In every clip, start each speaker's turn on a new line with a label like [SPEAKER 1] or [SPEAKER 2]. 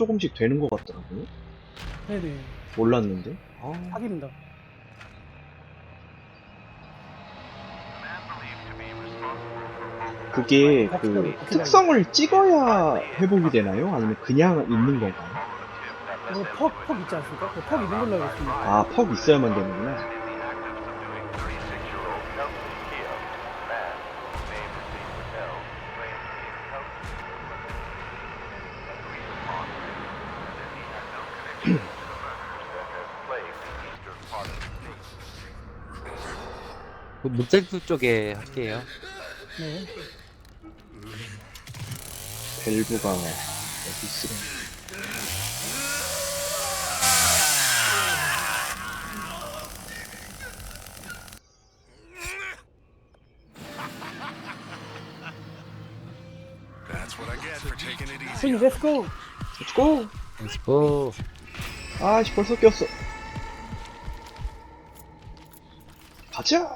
[SPEAKER 1] 조금씩 되는 것 같더라고요.
[SPEAKER 2] 네네.
[SPEAKER 1] 몰랐는데.
[SPEAKER 2] 확인입니다.
[SPEAKER 1] 그게 그 특성을 찍어야 회복이 되나요? 아니면 그냥 있는 건가요?
[SPEAKER 2] 이거 퍽 있지 않습니까? 퍽 있는 걸로 알고 있습니다.
[SPEAKER 1] 아, 퍽 있어야만 되는구나.
[SPEAKER 3] 묵셀프 쪽에 할게요.
[SPEAKER 2] 네.
[SPEAKER 1] 밸브가 어디 있으려?
[SPEAKER 2] 손님, 렛츠고!
[SPEAKER 1] 렛츠고!
[SPEAKER 3] 렛츠고.
[SPEAKER 1] 아씨, 벌써 꼈어. 가자!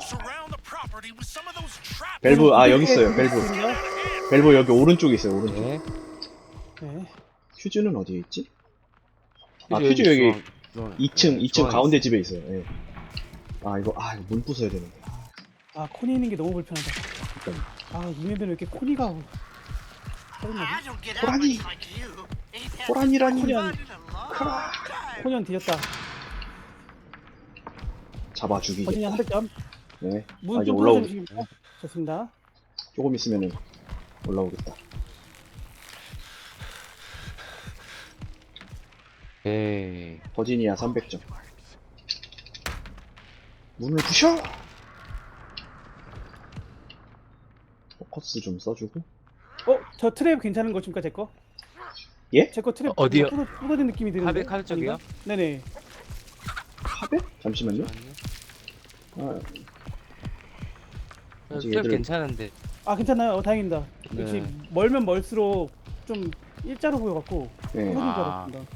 [SPEAKER 1] 밸브, 아, 여기 있어요, 밸브. 밸브 여기 오른쪽에 있어요, 오른쪽.
[SPEAKER 3] 네.
[SPEAKER 2] 네.
[SPEAKER 1] 퓨즈는 어디에 있지? 아, 퓨즈 여기 2층 가운데 집에 있어요. 예. 아, 이거 문 부숴야 되는데.
[SPEAKER 2] 아, 코니 있는 게 너무 불편하다. 아, 이 맵에는 왜 이렇게 코니가. 짜증나지?
[SPEAKER 1] 호랑이! 호랑이라니!
[SPEAKER 2] 코니언 뒤졌다.
[SPEAKER 1] 잡아
[SPEAKER 2] 버진이
[SPEAKER 1] 죽이겠다.
[SPEAKER 2] 한 300점.
[SPEAKER 1] 네. 아,
[SPEAKER 2] 문
[SPEAKER 1] 이제
[SPEAKER 2] 좀
[SPEAKER 1] 올라오,
[SPEAKER 2] 뚫어주시겠습니까? 좋습니다.
[SPEAKER 1] 조금 있으면은 올라오겠다.
[SPEAKER 3] 오케이.
[SPEAKER 1] 버지니아 300점. 문을 부셔! 포커스 좀 써주고.
[SPEAKER 2] 저 트랩 괜찮은 거 줍니까, 제 거?
[SPEAKER 1] 예?
[SPEAKER 2] 제 거 트랩
[SPEAKER 3] 어디요?
[SPEAKER 2] 부서진 느낌이 드는데.
[SPEAKER 3] 카베 쪽이요?
[SPEAKER 2] 아닌가? 네네.
[SPEAKER 1] 카베? 잠시만요. 아, 아직
[SPEAKER 3] 술
[SPEAKER 1] 얘들-
[SPEAKER 3] 괜찮은데.
[SPEAKER 2] 아, 괜찮아요. 다행입니다.
[SPEAKER 3] 네.
[SPEAKER 2] 역시 멀면 멀수록 좀 일자로 보여갖고
[SPEAKER 1] 네.
[SPEAKER 2] 부서진 줄
[SPEAKER 3] 아.
[SPEAKER 2] 알았습니다.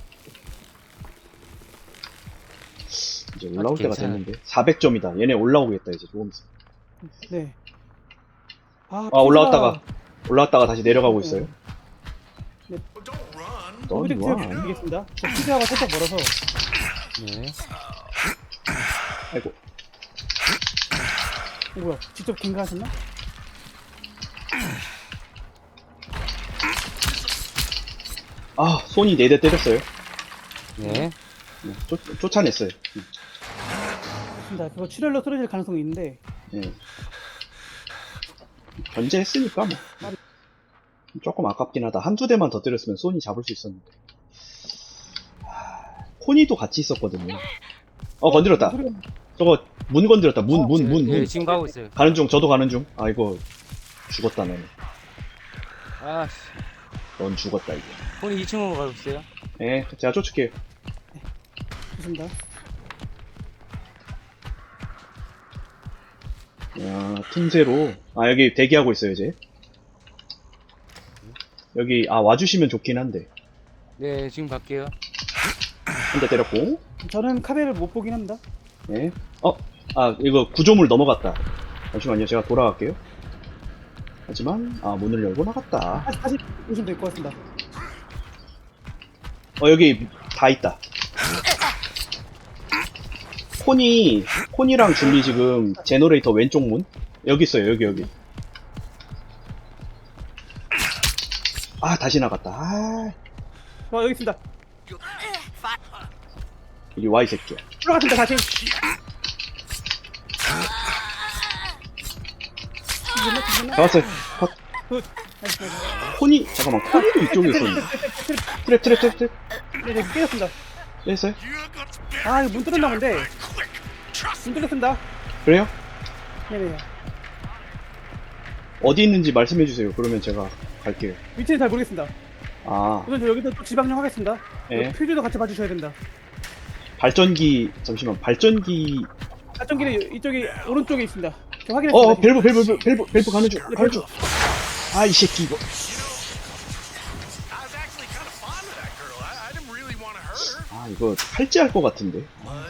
[SPEAKER 1] 이제 올라올 때가
[SPEAKER 3] 괜찮아.
[SPEAKER 1] 됐는데. 400점이다. 얘네 올라오겠다, 이제 조금 있어.
[SPEAKER 2] 네.
[SPEAKER 1] 아, 올라왔다가 다시 내려가고 있어요. 넌
[SPEAKER 2] 오브젝트
[SPEAKER 1] 와.
[SPEAKER 2] 드리겠습니다. 저 피자가 살짝 멀어서.
[SPEAKER 3] 네.
[SPEAKER 1] 아이고.
[SPEAKER 2] 뭐야? 직접 갱가하셨나?
[SPEAKER 1] 아, 손이 4대 때렸어요.
[SPEAKER 3] 네.
[SPEAKER 1] 쫓아냈어요.
[SPEAKER 2] 좋습니다. 그거 출혈로 쓰러질 가능성이 있는데.
[SPEAKER 1] 예. 견제했으니까 뭐. 조금 아깝긴 하다. 한두 대만 더 때렸으면 소니 잡을 수 있었는데. 코니도 같이 있었거든요. 건드렸다. 저거 문 건드렸다. 문.
[SPEAKER 3] 네, 지금 가고 있어요.
[SPEAKER 1] 가는 중, 저도 가는 중. 아, 이거 죽었다, 너는.
[SPEAKER 3] 아씨.
[SPEAKER 1] 넌 죽었다, 이제.
[SPEAKER 3] 폰이 2층으로 가고 있어요.
[SPEAKER 1] 예, 제가 쫓을게요.
[SPEAKER 2] 좋습니다.
[SPEAKER 1] 야, 틈새로. 아, 여기 대기하고 있어요, 이제. 여기, 와주시면 좋긴 한데.
[SPEAKER 3] 네, 지금 갈게요.
[SPEAKER 1] 한 대 때렸고.
[SPEAKER 2] 저는 카베를 못 보긴 합니다.
[SPEAKER 1] 네. 이거 구조물 넘어갔다. 잠시만요, 제가 돌아갈게요. 하지만, 문을 열고 나갔다.
[SPEAKER 2] 다시 보시면 될 것 같습니다.
[SPEAKER 1] 여기 다 있다. 코니랑 줄리 지금 제너레이터 왼쪽 문? 여기 있어요, 여기. 다시 나갔다.
[SPEAKER 2] 여기 있습니다.
[SPEAKER 1] 이리 와, 이 새끼야.
[SPEAKER 2] 들어갔습니다, 다시.
[SPEAKER 1] 잡았어요. 컷.
[SPEAKER 2] 굿. 나이스, 나이스.
[SPEAKER 1] 코니도 이쪽에 있었는데. 트랩.
[SPEAKER 2] 네, 깨졌습니다.
[SPEAKER 1] 됐어요?
[SPEAKER 2] 이거 문 뚫었나 본데. 문 뚫렸습니다.
[SPEAKER 1] 그래요?
[SPEAKER 2] 네네.
[SPEAKER 1] 어디 있는지 말씀해주세요. 그러면 제가 갈게요.
[SPEAKER 2] 위치는 잘 모르겠습니다. 우선 저 여기서 또 지방령 하겠습니다.
[SPEAKER 1] 네.
[SPEAKER 2] 퓨즈도 같이 봐주셔야 된다.
[SPEAKER 1] 잠시만, 발전기.
[SPEAKER 2] 발전기는 이쪽이 오른쪽에 있습니다. 저 확인했습니다.
[SPEAKER 1] 밸브 가는 중. 이 새끼 이거. 이거 탈지할 것 같은데.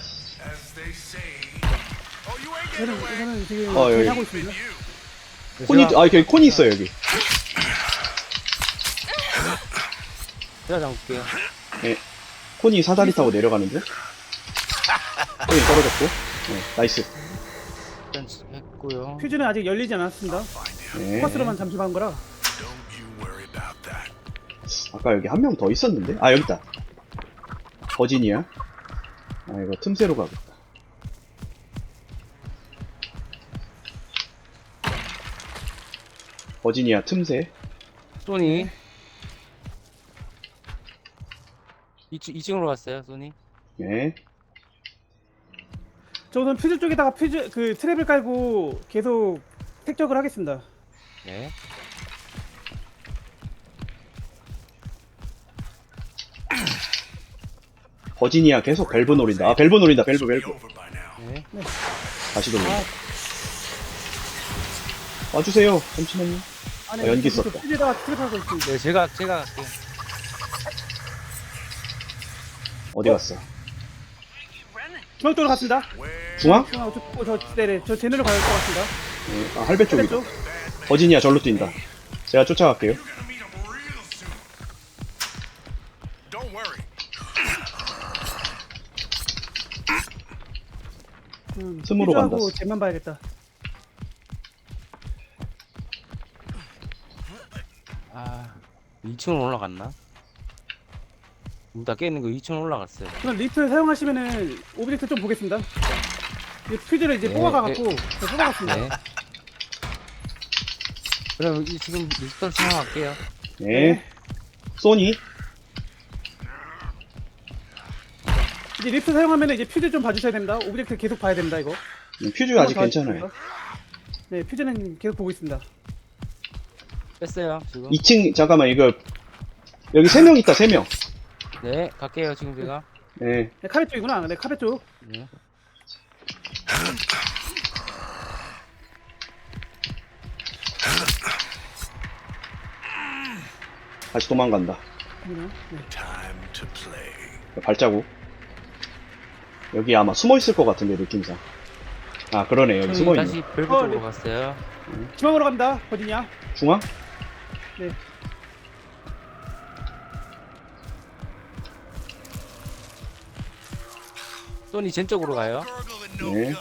[SPEAKER 2] 저는 지금
[SPEAKER 1] 여기.
[SPEAKER 2] 하고 있습니다.
[SPEAKER 1] 여기 코니 있어요, 여기.
[SPEAKER 3] 제가 잡을게요.
[SPEAKER 1] 코니 사다리 타고 내려가는 중. 코니 떨어졌고. 네, 나이스.
[SPEAKER 3] 일단 했고요.
[SPEAKER 2] 퓨즈는 아직 열리지 않았습니다.
[SPEAKER 1] 네.
[SPEAKER 2] 포커스로만 잠시 한 거라.
[SPEAKER 1] 아까 여기 한 명 더 있었는데? 아, 여기 있다. 버지니아. 아, 이거 틈새로 가겠다. 버지니아 틈새.
[SPEAKER 3] 소니. 2층으로 갔어요, 소니.
[SPEAKER 1] 네.
[SPEAKER 2] 저 우선 퓨즈 쪽에다가 퓨즈 그 트랩을 깔고 계속 택적을 하겠습니다.
[SPEAKER 3] 네.
[SPEAKER 1] 버지니아 계속 밸브 노린다. 아, 밸브 노린다. 밸브.
[SPEAKER 3] 네.
[SPEAKER 1] 다시 돌린다. 와주세요. 잠시만요.
[SPEAKER 2] 안에
[SPEAKER 1] 아, 연기
[SPEAKER 2] 계속
[SPEAKER 1] 썼다.
[SPEAKER 2] 퓨즈에다가 트랩 하고 있습니다.
[SPEAKER 3] 네, 제가 갈게요.
[SPEAKER 1] 어디 갔어?
[SPEAKER 2] 중앙 쪽으로 갔습니다.
[SPEAKER 1] 중앙?
[SPEAKER 2] 중앙 네네 저 제네로 갈 것 같습니다.
[SPEAKER 1] 네. 아, 할배
[SPEAKER 2] 트랩
[SPEAKER 1] 쪽이다.
[SPEAKER 2] 쪽.
[SPEAKER 1] 버지니아 절로 뛴다. 제가 쫓아갈게요. 틈으로 간다.
[SPEAKER 2] 퓨즈하고 jet만 봐야겠다.
[SPEAKER 3] 아, 2층으로 올라갔나? 문 다 깨있는 거 2층으로 올라갔어요.
[SPEAKER 2] 그럼 리프트 사용하시면은 오브젝트 좀 보겠습니다. 이 퓨즈를 이제
[SPEAKER 3] 네,
[SPEAKER 2] 뽑아가갖고 저 뽑아갔습니다.
[SPEAKER 3] 네. 그럼 지금 리스턴 사용할게요.
[SPEAKER 1] 네. 소니.
[SPEAKER 2] 이제 리프트 사용하면은 이제 퓨즈 좀 봐주셔야 됩니다. 오브젝트 계속 봐야 됩니다 이거.
[SPEAKER 1] 퓨즈 아직
[SPEAKER 2] 한번 더
[SPEAKER 1] 괜찮아요.
[SPEAKER 2] 하겠습니다. 네 퓨즈는 계속 보고 있습니다.
[SPEAKER 3] 뺐어요, 지금.
[SPEAKER 1] 2층, 잠깐만, 이거. 여기 3명 있다, 3명.
[SPEAKER 3] 네, 갈게요, 지금 제가.
[SPEAKER 1] 네.
[SPEAKER 2] 네 카베 쪽이구나. 네 카베 쪽.
[SPEAKER 3] 네.
[SPEAKER 1] 다시 도망간다.
[SPEAKER 2] 네.
[SPEAKER 1] 발자국. 여기 아마 숨어 있을 것 같은데, 느낌상. 아, 그러네. 여기 숨어 있네.
[SPEAKER 3] 다시 벨브
[SPEAKER 2] 어,
[SPEAKER 3] 쪽으로
[SPEAKER 2] 네.
[SPEAKER 3] 갔어요.
[SPEAKER 2] 중앙으로 갑니다. 어디냐?
[SPEAKER 1] 중앙?
[SPEAKER 2] 네.
[SPEAKER 3] 소니 젠 쪽으로 가요.
[SPEAKER 1] 네.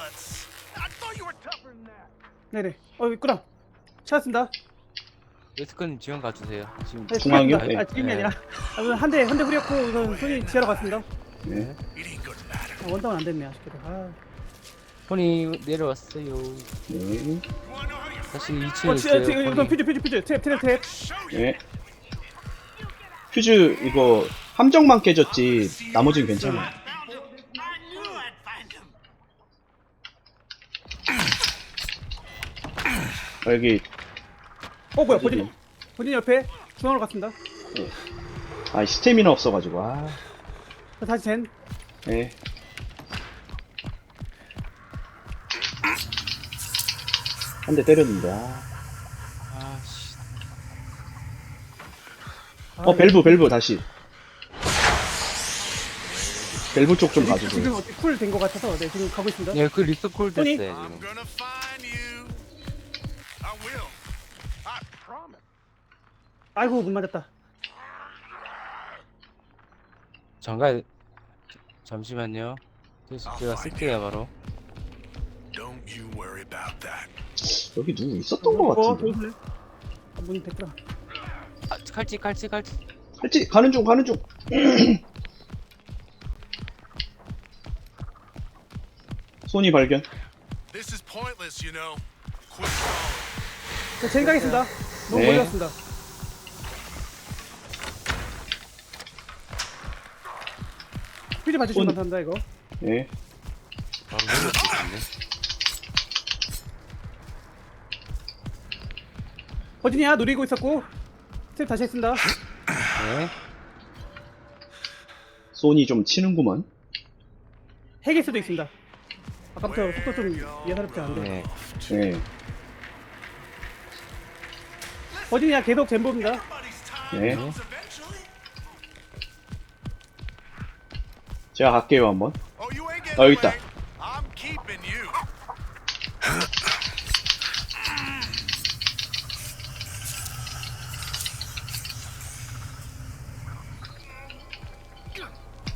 [SPEAKER 2] 네네. 있구나. 찾았습니다.
[SPEAKER 3] 웨스커님 지원 가주세요. 지금
[SPEAKER 2] 네,
[SPEAKER 1] 중앙이요?
[SPEAKER 2] 찾았습니다.
[SPEAKER 1] 네.
[SPEAKER 2] 아 지금이 아니라 한대 후렸고 우선 손이 지하러 갔습니다.
[SPEAKER 1] 네.
[SPEAKER 2] 원다운 안 됐네 아쉽게도. 아.
[SPEAKER 3] 소니 내려왔어요.
[SPEAKER 1] 네.
[SPEAKER 3] 다시 2층에 있어요.
[SPEAKER 2] 우선 퓨즈 트랩.
[SPEAKER 1] 네. 퓨즈, 이거, 함정만 깨졌지, 나머지는 괜찮아. 아, 여기,
[SPEAKER 2] 뭐야 본인 옆에 중앙으로 갔습니다.
[SPEAKER 1] 아, 스태미나 없어가지고, 아.
[SPEAKER 2] 자, 다시 젠.
[SPEAKER 1] 네. 한 대 때렸는데, 아.
[SPEAKER 3] 아씨.
[SPEAKER 1] 밸브, 다시. 밸브 쪽 좀 가주세요.
[SPEAKER 2] 지금 어떻게 쿨 된 것 같아서 네 지금 가고 있습니다.
[SPEAKER 3] 네, 그 리스트 콜
[SPEAKER 2] 소니?
[SPEAKER 3] 됐어요, 지금.
[SPEAKER 2] 아이고 못 맞았다.
[SPEAKER 3] 잠깐 잠시만요. 제가 쓸게요, 바로.
[SPEAKER 1] 여기 누구 있었던 것 같은데.
[SPEAKER 2] 도와줄래? 문이 됐더라.
[SPEAKER 3] 아, 칼찌.
[SPEAKER 1] 할지, 가는 중. 손이 발견.
[SPEAKER 2] 자, 젠 가겠습니다. 너무
[SPEAKER 1] 네.
[SPEAKER 2] 멀리 갔습니다. 퓨즈 봐주시면 감사합니다 이거.
[SPEAKER 1] 네.
[SPEAKER 3] 바로 내려올 수 있겠네.
[SPEAKER 2] 버지니아 노리고 있었고 스텝 다시 했습니다.
[SPEAKER 3] 네.
[SPEAKER 1] 손이 좀 치는구만.
[SPEAKER 2] 핵일 수도 있습니다. 아까부터 속도 좀 예사롭지 않은데.
[SPEAKER 3] 네.
[SPEAKER 1] 네.
[SPEAKER 2] 버지니아 계속 젠보입니다.
[SPEAKER 1] 네. 제가 갈게요, 한번. 여기 있다.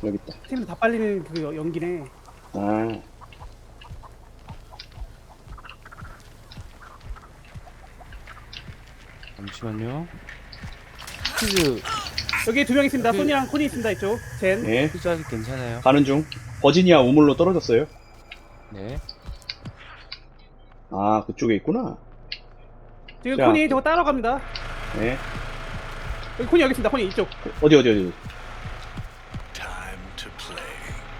[SPEAKER 1] 여기 있다.
[SPEAKER 2] 팀은 다 빨리는 그 연기네.
[SPEAKER 1] 아,
[SPEAKER 3] 잠시만요. 퀴즈
[SPEAKER 2] 여기 두 명 있습니다. 소니랑 코니 있습니다. 이쪽. 젠.
[SPEAKER 1] 예.
[SPEAKER 3] 퀴즈 아직 괜찮아요.
[SPEAKER 1] 가는 중. 버지니아 우물로 떨어졌어요.
[SPEAKER 3] 네.
[SPEAKER 1] 아, 그쪽에 있구나.
[SPEAKER 2] 지금
[SPEAKER 1] 자.
[SPEAKER 2] 코니 저거 따라갑니다.
[SPEAKER 1] 예.
[SPEAKER 2] 여기 코니 여기 있습니다. 코니 이쪽.
[SPEAKER 1] 어디.
[SPEAKER 4] Time to play.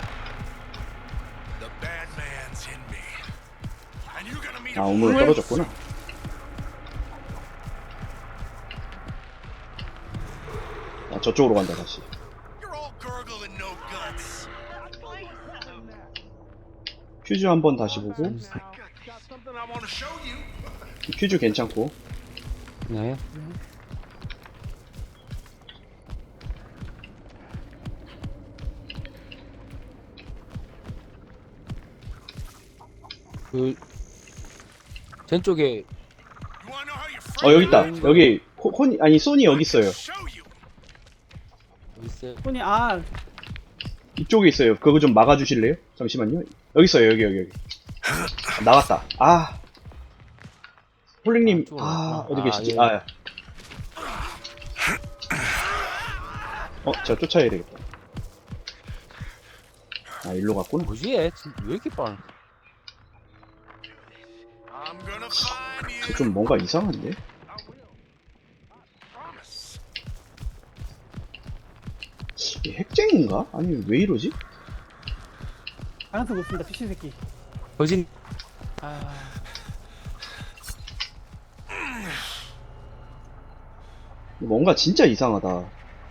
[SPEAKER 4] The bad man's in me. And you're gonna meet
[SPEAKER 1] 아,
[SPEAKER 4] a
[SPEAKER 1] 우물로 떨어졌구나. 아, 저쪽으로 간다, 다시.
[SPEAKER 4] You're all gurgle and no guts.
[SPEAKER 1] 퓨즈 한번 다시 보고.
[SPEAKER 4] Got something I want to show you.
[SPEAKER 1] 퓨즈 괜찮고.
[SPEAKER 3] 네. 젠 쪽에
[SPEAKER 4] You wanna know how your friend
[SPEAKER 1] 여기 있다. 여기, 코니, 아니, 소니 여기 있어요.
[SPEAKER 4] show you?
[SPEAKER 3] 어디 있어요?
[SPEAKER 2] 코니
[SPEAKER 1] 이쪽에 있어요. 그거 좀 막아주실래요? 잠시만요. 여기 있어요. 여기. 나갔다. 아. 홀링님, 어디 계시지?
[SPEAKER 3] 예.
[SPEAKER 1] 제가 쫓아야 되겠다. 아, 일로 갔구나.
[SPEAKER 3] 뭐지 얘? 왜 이렇게 빠른?
[SPEAKER 4] I'm gonna find you.
[SPEAKER 1] 좀 뭔가 이상한데?
[SPEAKER 4] I will. Promise.
[SPEAKER 1] 이 핵쟁인가? 아니, 왜 이러지?
[SPEAKER 2] 가능성 높습니다. 피신 새끼.
[SPEAKER 3] 거진.
[SPEAKER 1] 뭔가 진짜 이상하다.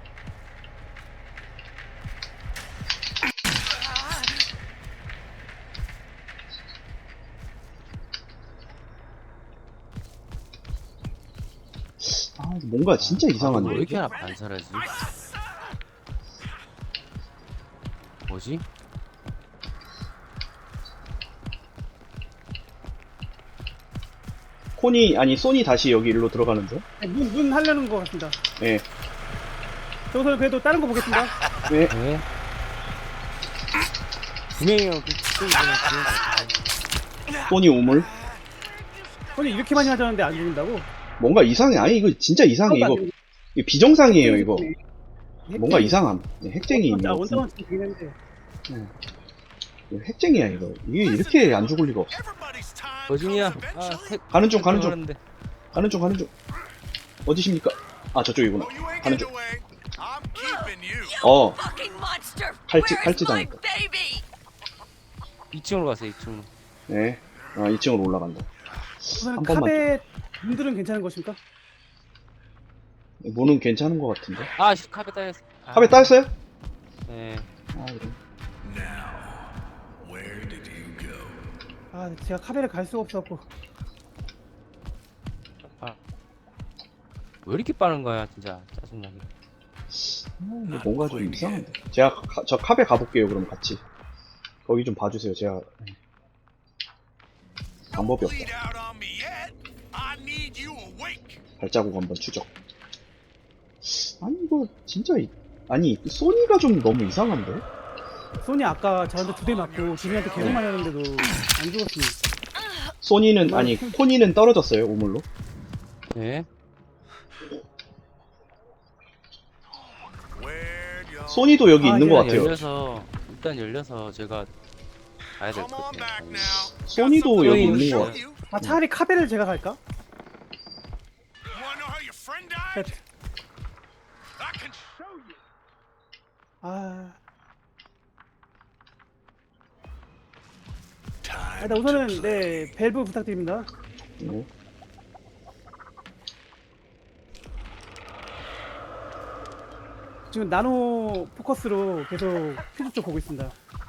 [SPEAKER 1] 뭔가 진짜
[SPEAKER 3] 왜
[SPEAKER 1] 이상한데?
[SPEAKER 3] 이렇게 하나 반사라지? 뭐지?
[SPEAKER 1] 소니 다시 여기 일로 들어가는 중?
[SPEAKER 2] 네, 문 하려는 것 같습니다.
[SPEAKER 1] 예.
[SPEAKER 2] 저기서 그래도 다른 거 보겠습니다.
[SPEAKER 1] 네.
[SPEAKER 3] 네. 분명히요. 그쪽이 그냥
[SPEAKER 1] 소니 우물?
[SPEAKER 2] 코니 이렇게 많이 하자는데 안 죽는다고?
[SPEAKER 1] 뭔가 이상해. 아니, 이거 진짜 이상해. 이거 비정상이에요, 이거. 뭔가 이상함. 핵쟁이 있네.
[SPEAKER 2] 원장은 지금 되는데.
[SPEAKER 1] 핵쟁이야, 이거. 이게 이렇게 안 죽을 리가 없어.
[SPEAKER 4] Everybody's time
[SPEAKER 3] 거진이야.
[SPEAKER 4] comes eventually.
[SPEAKER 1] 가는 중. 가는 중. 어디십니까? 아, 저쪽이구나.
[SPEAKER 4] Oh, you ain't
[SPEAKER 1] 가는
[SPEAKER 4] getting
[SPEAKER 1] 중.
[SPEAKER 4] away. I'm keeping you.
[SPEAKER 1] 어,
[SPEAKER 5] Fucking monster!
[SPEAKER 1] 칼찌
[SPEAKER 5] Where's my
[SPEAKER 1] 당했다.
[SPEAKER 5] baby?
[SPEAKER 3] 2층으로 가세요. 2층으로.
[SPEAKER 1] 네. 2층으로 올라간다.
[SPEAKER 2] 우선
[SPEAKER 1] 한 번만
[SPEAKER 2] 카베 문들은 괜찮은 것입니까?
[SPEAKER 1] 문은 괜찮은 것 같은데.
[SPEAKER 3] 카페 따였어.
[SPEAKER 1] 카베 따였어요?
[SPEAKER 3] 네.
[SPEAKER 1] 그래.
[SPEAKER 4] Now, where did you go?
[SPEAKER 2] 제가 카베를 갈 수가 없어갖고.
[SPEAKER 3] 왜 이렇게 빠른 거야, 진짜. 짜증나게.
[SPEAKER 1] 뭔가 좀 이상한데. 제가 저 카베 가볼게요, 그럼 같이. 거기 좀 봐주세요, 제가. 방법이 없다.
[SPEAKER 4] Bleed out on me yet? I need you awake.
[SPEAKER 1] 발자국 한번 추적. 아니, 이거 진짜, 아니, 소니가 좀 너무 이상한데?
[SPEAKER 2] 소니 아까 저한테 2대 맞고 지민한테 계속 맞았는데도 안 죽었습니다.
[SPEAKER 1] 소니는, 아니, 코니는 떨어졌어요, 우물로.
[SPEAKER 3] 네.
[SPEAKER 4] Where'd you
[SPEAKER 1] 소니도 여기 있는 것
[SPEAKER 3] 일단
[SPEAKER 1] 같아요.
[SPEAKER 3] 일단 열려서 제가 가야 될
[SPEAKER 4] come
[SPEAKER 3] 것
[SPEAKER 4] on back
[SPEAKER 3] 같아요.
[SPEAKER 4] now?
[SPEAKER 1] 소니도 여기 있는 것
[SPEAKER 4] Show
[SPEAKER 1] 같아요.
[SPEAKER 4] you.
[SPEAKER 2] 차라리 카베를 제가 갈까?
[SPEAKER 4] You wanna know how your friend died? I can show you.
[SPEAKER 2] 일단 우선은 네 밸브 부탁드립니다.
[SPEAKER 1] 네.
[SPEAKER 2] 지금 나노 포커스로 계속 퓨즈 쪽 보고 있습니다.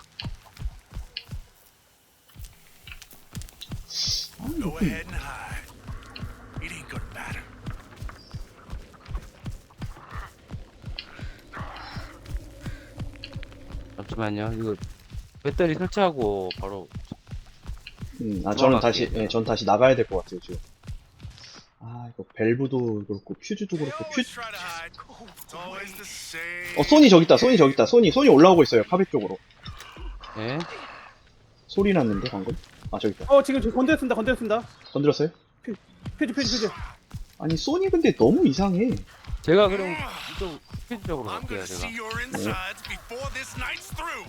[SPEAKER 4] Go ahead and hide. It ain't gonna matter.
[SPEAKER 3] 잠시만요. 이거 배터리 설치하고 바로
[SPEAKER 1] 저는 다시, 전 다시 나가야 될 것 같아요, 지금. 이거 밸브도 그렇고, 퓨즈도 그렇고,
[SPEAKER 4] Always try to hide. It's always the same
[SPEAKER 1] 소니 저기 있다. 소니 저기 있다. 소니 올라오고 있어요. 카베 쪽으로.
[SPEAKER 3] 네.
[SPEAKER 1] 소리 났는데 방금. 아 저기 있다.
[SPEAKER 2] 지금 저 건드렸습니다.
[SPEAKER 1] 건드렸어요?
[SPEAKER 2] 퓨즈.
[SPEAKER 1] 아니 소니 근데 너무 이상해.
[SPEAKER 3] 제가 그럼 이쪽 퓨즈 쪽으로
[SPEAKER 4] I'm
[SPEAKER 3] 갈게요,
[SPEAKER 4] gonna
[SPEAKER 3] 제가.
[SPEAKER 4] see your insides before this night's through.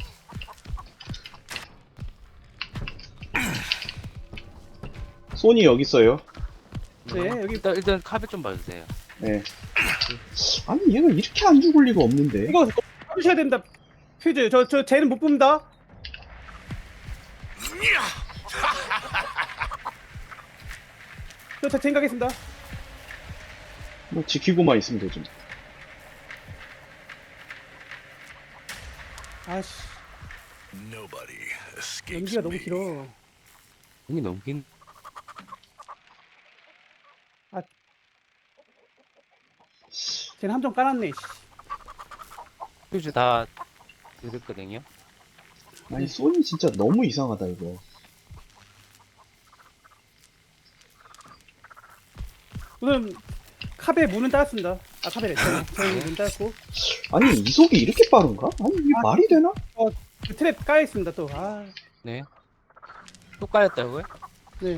[SPEAKER 1] 소니 여기 있어요.
[SPEAKER 2] 네, 여기
[SPEAKER 3] 일단 카베 좀 봐주세요.
[SPEAKER 1] 네. 아니 얘가 이렇게 안 죽을 리가 없는데.
[SPEAKER 2] 이거 꺼주셔야 됩니다. 퓨즈 저 쟤는 못 봅니다. 저 생각했습니다.
[SPEAKER 1] 뭐 지키고만 있으면 되지.
[SPEAKER 2] 아씨,
[SPEAKER 4] Nobody escapes
[SPEAKER 2] 연기가 너무
[SPEAKER 4] me.
[SPEAKER 2] 길어.
[SPEAKER 3] 여기 너무 긴.
[SPEAKER 2] 쟤는 함정 깔았네. 씨.
[SPEAKER 3] 퓨즈 다 드렸거든요.
[SPEAKER 1] 아니 소니 진짜 너무 이상하다 이거.
[SPEAKER 2] 우선 카베 문은 땄습니다. 카베래. 저는 문 땄고
[SPEAKER 1] 아니 이속이 이렇게 빠른가? 아니 이게 말이 되나?
[SPEAKER 2] 그 트랩 까여 있습니다. 또
[SPEAKER 3] 네. 또 까였다고요?
[SPEAKER 2] 네.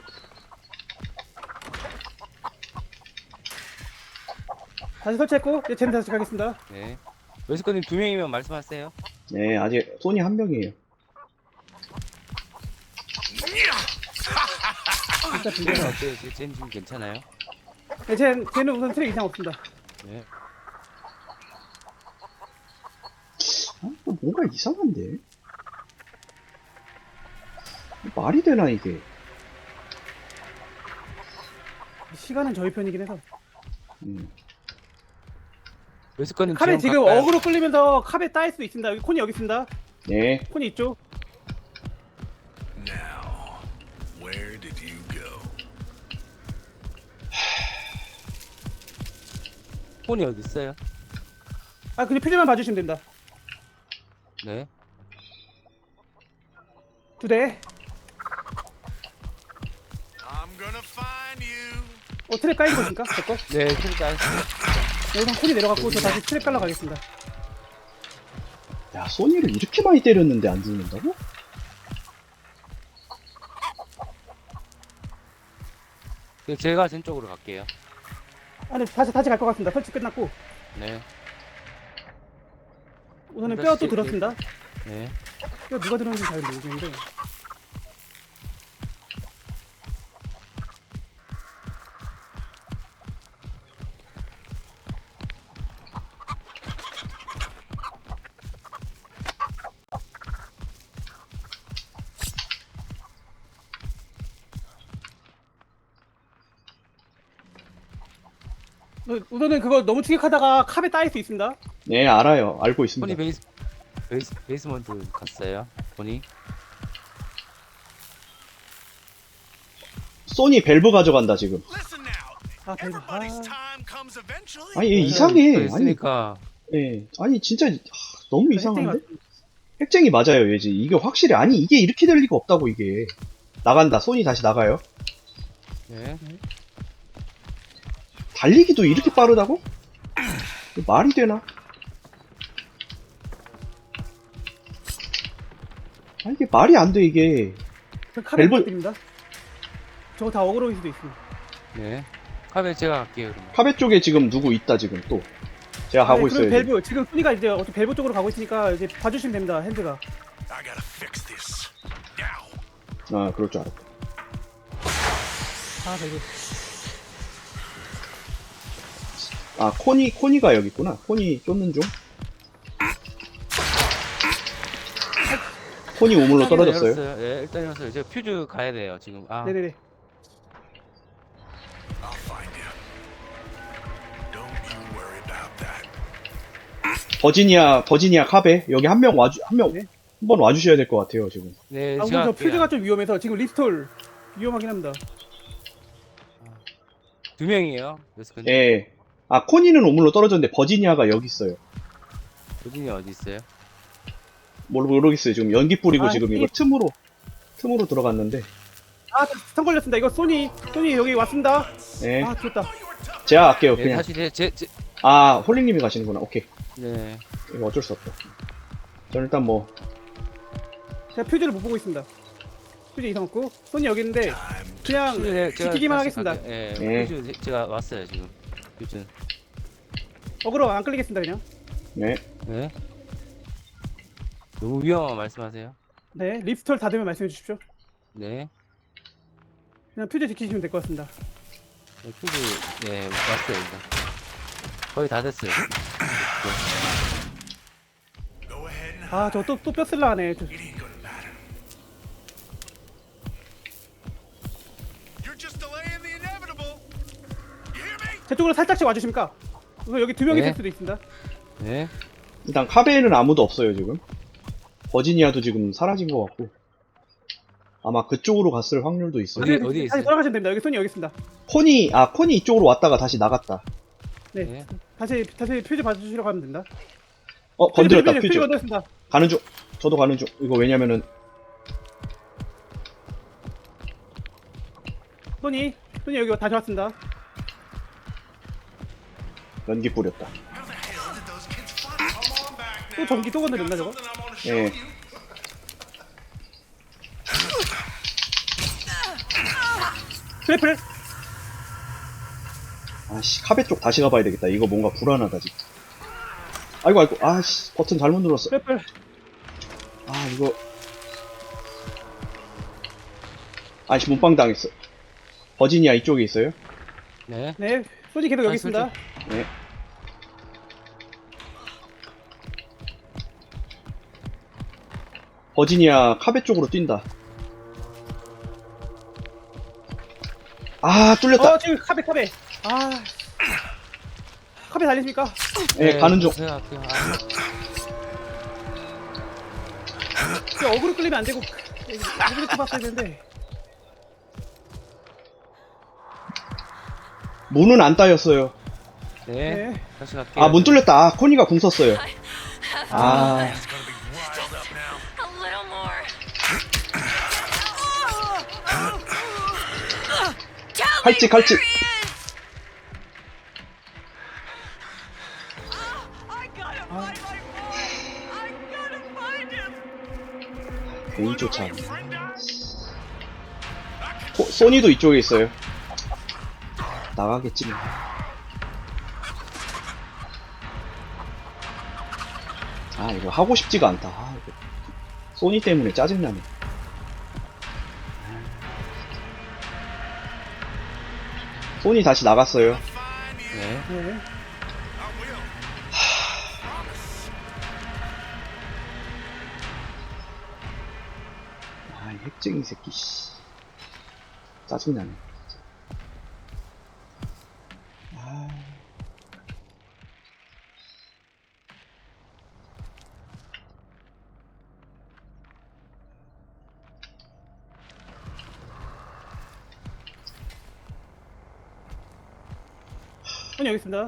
[SPEAKER 2] 다시 설치했고 이제 쟤는 다시 가겠습니다.
[SPEAKER 3] 네. 웨스커님 2명이면 말씀하세요.
[SPEAKER 1] 네 아직 소니 한 명이에요.
[SPEAKER 2] 진짜
[SPEAKER 3] 쟤는
[SPEAKER 2] 빈대서.
[SPEAKER 3] 어때요? 쟤는 지금 괜찮아요?
[SPEAKER 2] 네, 쟤는 우선 트랩 이상 없습니다.
[SPEAKER 3] 네.
[SPEAKER 1] 아, 이거 뭔가 이상한데? 말이 되나 이게?
[SPEAKER 2] 시간은 저희 편이긴 해서.
[SPEAKER 3] 웨스커님
[SPEAKER 2] 카베 지금
[SPEAKER 3] 가까이-
[SPEAKER 2] 어그로 끌리면서 카베 따일 수 있습니다. 여기 콘이 여기 있습니다.
[SPEAKER 1] 네.
[SPEAKER 2] 콘이 있죠.
[SPEAKER 4] Now, where did you go?
[SPEAKER 3] 폰이 어디 있어요?
[SPEAKER 2] 그냥 퓨즈만 봐주시면 됩니다.
[SPEAKER 3] 네.
[SPEAKER 2] 2대.
[SPEAKER 4] I'm gonna find you.
[SPEAKER 2] 트랩 까인 거니까 제거.
[SPEAKER 3] 네, 일단
[SPEAKER 2] 여기서 콘이 내려갔고 저 다시 트랩 깔러 가겠습니다.
[SPEAKER 1] 야 소니를 이렇게 많이 때렸는데 안 죽는다고?
[SPEAKER 3] 제가 전 쪽으로 갈게요.
[SPEAKER 2] 네, 다시 갈 것 같습니다. 설치 끝났고
[SPEAKER 3] 네.
[SPEAKER 2] 우선은 뼈 또 들었습니다.
[SPEAKER 3] 네.
[SPEAKER 2] 뼈 누가 들었는지 잘 모르겠는데. 우선은 그거 너무 추격하다가 캅에 따일 수 있습니다.
[SPEAKER 1] 네 알아요. 알고
[SPEAKER 3] 폰이
[SPEAKER 1] 있습니다.
[SPEAKER 3] 베이스먼트 갔어요. 폰이.
[SPEAKER 1] 소니 벨브 가져간다 지금.
[SPEAKER 4] Listen now.
[SPEAKER 2] 벨브.
[SPEAKER 4] Everybody's time comes eventually.
[SPEAKER 1] 아니 얘 이상해. 아니,
[SPEAKER 3] 있으니까
[SPEAKER 1] 예. 아니 진짜 너무
[SPEAKER 2] 핵쟁이
[SPEAKER 1] 이상한데? 핵쟁이 맞아요 얘지. 이게 확실히 아니 이게 이렇게 될 리가 없다고 이게. 나간다. 소니 다시 나가요.
[SPEAKER 3] 네.
[SPEAKER 1] 달리기도 이렇게 빠르다고? 이거 말이 되나? 아 이게 말이 안 돼 이게.
[SPEAKER 2] 캅에
[SPEAKER 1] 벨브-
[SPEAKER 2] 부탁드립니다. 저거 다 어그로일 수도 있습니다.
[SPEAKER 3] 네. 카베 제가 갈게요, 그러면.
[SPEAKER 1] 카베 쪽에 지금 누구 있다 지금 또. 제가 가고 있어요.
[SPEAKER 2] 그럼
[SPEAKER 1] 지금.
[SPEAKER 2] 벨브 지금 소니가 이제 어차피 벨브 쪽으로 가고 있으니까 이제 봐주시면 됩니다. 핸드가.
[SPEAKER 4] I gotta fix this. Now.
[SPEAKER 1] 아 그럴 줄 알았다.
[SPEAKER 2] 벨브.
[SPEAKER 1] 아 코니가 여기 있구나. 코니 쫓는 중. 코니 우물로 떨어졌어요.
[SPEAKER 3] 네, 일단 열었어요. 이제 퓨즈 가야 돼요, 지금.
[SPEAKER 2] 네네네.
[SPEAKER 4] I'll find you. Don't you worry about that.
[SPEAKER 1] 버지니아 카베 여기 한 명
[SPEAKER 2] 네.
[SPEAKER 1] 한 번 와주셔야 될 것 같아요 지금.
[SPEAKER 3] 네,
[SPEAKER 2] 우선
[SPEAKER 3] 제가
[SPEAKER 2] 저
[SPEAKER 3] 갈게요.
[SPEAKER 2] 퓨즈가 좀 위험해서 지금 리스톨 위험하긴 합니다.
[SPEAKER 3] 2명이에요. 웨스커님.
[SPEAKER 1] 예. 아 코니는 우물로 떨어졌는데 버지니아가 여기 있어요.
[SPEAKER 3] 요진이 어디 있어요?
[SPEAKER 1] 모르겠어요. 지금 연기 뿌리고
[SPEAKER 2] 아,
[SPEAKER 1] 지금 이거 틈으로 들어갔는데.
[SPEAKER 2] 스턴 걸렸습니다. 이거 소니 여기 왔습니다.
[SPEAKER 1] 예.
[SPEAKER 2] 죽었다.
[SPEAKER 1] 제가 갈게요
[SPEAKER 3] 네,
[SPEAKER 1] 그냥.
[SPEAKER 3] 다시 제
[SPEAKER 1] 아 홀링님이 가시는구나. 오케이.
[SPEAKER 3] 네.
[SPEAKER 1] 이거 어쩔 수 없다. 저는 일단 뭐
[SPEAKER 2] 제가 퓨즈를 못 보고 있습니다. 퓨즈 이상 없고 손이 여기 있는데 그냥 지키기만 하겠습니다.
[SPEAKER 3] 예,
[SPEAKER 1] 네.
[SPEAKER 3] 퓨즈 제가 왔어요 지금. 퓨즈.
[SPEAKER 2] 어그로 안 끌리겠습니다 그냥.
[SPEAKER 1] 네.
[SPEAKER 3] 네. 너무 위험한 말씀하세요.
[SPEAKER 2] 네, 립스톨 다 되면 말씀해 주십시오.
[SPEAKER 3] 네.
[SPEAKER 2] 그냥 퓨즈 지키시면 될 것 같습니다.
[SPEAKER 3] 네, 퓨즈 네 왔어요 일단. 거의 다 됐어요.
[SPEAKER 4] Go ahead and hide.
[SPEAKER 2] 아, 저 또 뼈슬라 하네. 저-
[SPEAKER 4] It ain't gonna matter. You're just delaying the inevitable. You hear me?
[SPEAKER 2] 제 쪽으로 살짝씩 와주십니까? 우선 여기 두 명이
[SPEAKER 3] 네.
[SPEAKER 2] 있을 수도 있습니다.
[SPEAKER 3] 네.
[SPEAKER 1] 일단 카베에는 아무도 없어요 지금. 버지니아도 지금 사라진 것 같고 아마 그쪽으로 갔을 확률도 있어요.
[SPEAKER 3] 어디-
[SPEAKER 2] 다시
[SPEAKER 3] 어디에 있어요?
[SPEAKER 2] 돌아가시면 됩니다. 여기 손이 여기 있습니다.
[SPEAKER 1] 코니 이쪽으로 왔다가 다시 나갔다.
[SPEAKER 2] 네,
[SPEAKER 3] 네.
[SPEAKER 2] 다시 퓨즈 봐주시러 가면 된다.
[SPEAKER 1] 건드렸다 퓨즈.
[SPEAKER 2] 건드렸습니다.
[SPEAKER 1] 가는 중. 저도 가는 중. 이거 왜냐면은
[SPEAKER 2] 손이 여기 다시 왔습니다.
[SPEAKER 1] 연기 뿌렸다.
[SPEAKER 4] How the hell did those kids find it? Come on back
[SPEAKER 2] 또
[SPEAKER 4] now.
[SPEAKER 2] 전기 또 건드렸나 저거?
[SPEAKER 4] Something I want to show
[SPEAKER 1] 예.
[SPEAKER 4] you.
[SPEAKER 2] 트래플.
[SPEAKER 1] 아씨 카베 쪽 다시 가봐야 되겠다. 이거 뭔가 불안하다 지금. 아이고 아씨 버튼 잘못 눌렀어.
[SPEAKER 2] 트래플.
[SPEAKER 1] 아 이거 아씨 몸빵 당했어. 버지니아 이쪽에 있어요?
[SPEAKER 3] 네.
[SPEAKER 2] 네, 손이 계속 여기
[SPEAKER 3] 아,
[SPEAKER 2] 있습니다.
[SPEAKER 1] 네. 버지니아 카베 쪽으로 뛴다. 아 뚫렸다.
[SPEAKER 2] 지금 카베. 아, 카베 달리십니까?
[SPEAKER 1] 네, 가는 중.
[SPEAKER 3] 생각할게요.
[SPEAKER 2] 그 어그로 끌리면 안 되고 어그로 봤어야 되는데.
[SPEAKER 1] 문은 안 따였어요.
[SPEAKER 3] 네.
[SPEAKER 2] 네.
[SPEAKER 3] 다시 갈게요.
[SPEAKER 1] 아 문 뚫렸다. 아 코니가 궁 썼어요. 아
[SPEAKER 4] It's gonna be riled up now.
[SPEAKER 5] A little more. Tell me
[SPEAKER 1] 칼집.
[SPEAKER 5] where he is. I gotta find my boy. I gotta find him.
[SPEAKER 1] 괜히 쫓아.
[SPEAKER 4] Friend died?
[SPEAKER 1] 소니도 이쪽에 있어요. 나가겠지 뭐. 아 이거 하고 싶지가 않다. 아, 이거 소니 때문에 짜증나네. 소니 다시 나갔어요.
[SPEAKER 4] Find you.
[SPEAKER 3] 네.
[SPEAKER 2] 네.
[SPEAKER 4] I will.
[SPEAKER 1] 아, 이 핵쟁이 새끼, 씨. 짜증나네. 진짜. 아.
[SPEAKER 2] 손이 여기 있습니다.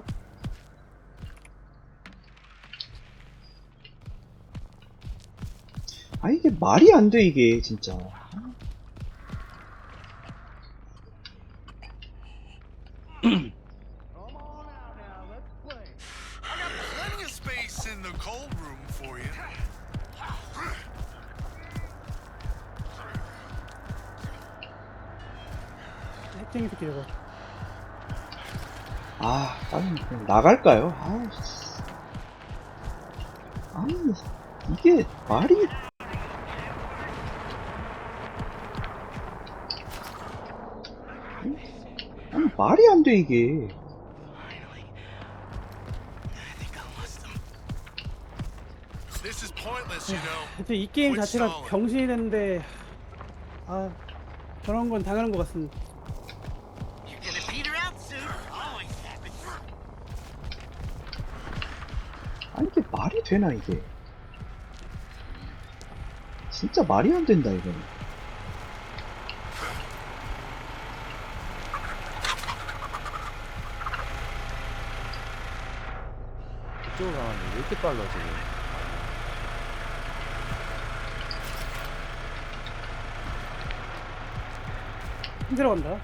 [SPEAKER 1] 아, 이게 말이 안 돼, 이게, 진짜.
[SPEAKER 4] Plenty of space in the cold room for you.
[SPEAKER 2] 핵쟁이 새끼 저거.
[SPEAKER 1] 아, 빨리 그냥 나갈까요? 아, 씨. 아니, 이게 말이. 아니, 말이 안 돼, 이게.
[SPEAKER 4] This is pointless, you know.
[SPEAKER 2] 대체 이 게임 자체가 병신이 됐는데 아 저런 건 당하는 것 같습니다.
[SPEAKER 4] You're gonna peter out soon. Always happens.
[SPEAKER 1] 아니, 이게 말이 되나, 이게. 진짜 말이 안 된다, 이거는.
[SPEAKER 3] 이쪽으로 가는데 왜 이렇게 빨라 지금?
[SPEAKER 2] 힘들어 간다.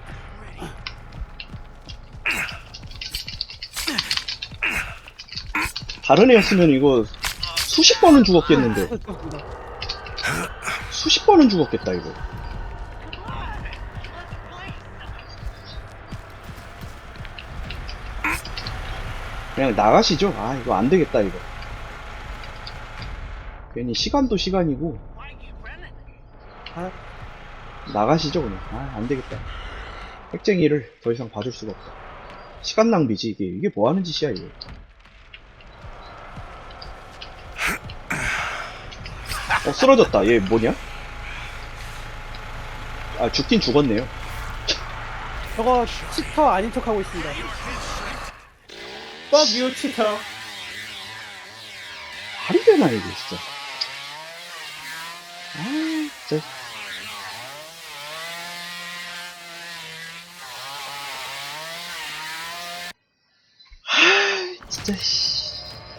[SPEAKER 1] 다른 애였으면 이거 수십 번은 죽었겠는데.
[SPEAKER 2] 그렇습니다.
[SPEAKER 1] 수십 번은 죽었겠다, 이거. 그냥 나가시죠. 아, 이거 안 되겠다, 이거. 괜히 시간도 시간이고.
[SPEAKER 2] 아,
[SPEAKER 1] 나가시죠, 그냥. 아, 안 되겠다. 핵쟁이를 더 이상 봐줄 수가 없다. 시간 낭비지, 이게. 이게 뭐 하는 짓이야, 이거. 쓰러졌다. 얘 뭐냐? 아, 죽긴 죽었네요.
[SPEAKER 2] 저거 치터 아닌 척 하고 있습니다. Fuck you, 치터.
[SPEAKER 1] 말이 되나, 이게, 진짜. 아, 진짜. 아, 진짜, 씨.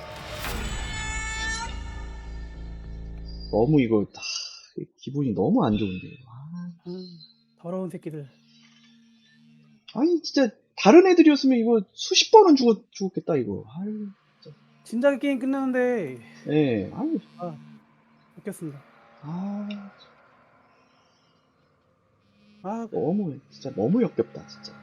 [SPEAKER 1] 너무 이거, 기분이 너무 안 좋은데.
[SPEAKER 2] 더러운 새끼들.
[SPEAKER 1] 아니, 진짜, 다른 애들이었으면 이거 수십 번은 죽었겠다, 이거. 아유,
[SPEAKER 2] 진작에 게임 끝나는데
[SPEAKER 1] 예, 아유,
[SPEAKER 2] 웃겼습니다.
[SPEAKER 1] 아,
[SPEAKER 2] 아,
[SPEAKER 1] 너무, 진짜 너무 역겹다, 진짜.